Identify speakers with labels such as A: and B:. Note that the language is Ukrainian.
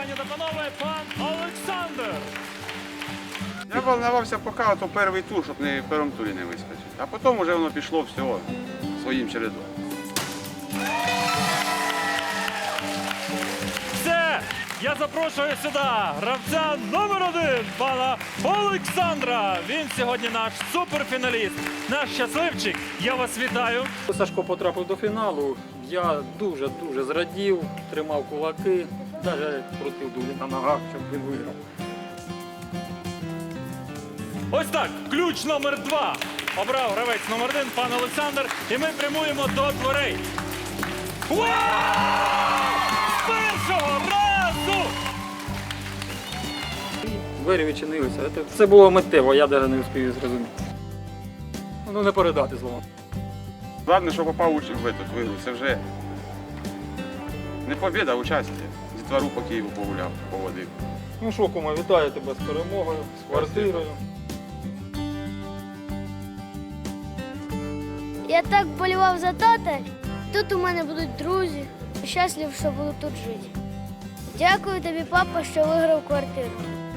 A: Пані та панове, пан Олександр.
B: Я волновався поки то перший тур, щоб не в першому турі не вискочити. А потім вже воно пішло все своїм чередом.
A: Все, я запрошую сюди гравця номер 1, пана Олександра. Він сьогодні наш суперфіналіст, наш щасливчик. Я вас вітаю.
C: Сашко потрапив до фіналу. Я дуже зрадів, тримав кулаки, навіть крутив дулі на ногах, щоб він виграв.
A: Ось так, ключ номер 2. Обрав гравець номер 1, пан Олександр. І ми прямуємо до дверей. Вау! З першого разу!
C: Двері відчинилися. Це було миттєво, я навіть не встиг зрозуміти. Ну не передати словом.
B: Головне, що попав в эту вигру, це вже не побіда, а участь. Дітвору по Києву погуляв, поводив.
C: Ну що, кума, вітаю тебе з перемогою, з квартирою.
D: Я так болівав за тата. Тут у мене будуть друзі. Щаслив, що буду тут жити. Дякую тобі, папа, що виграв квартиру.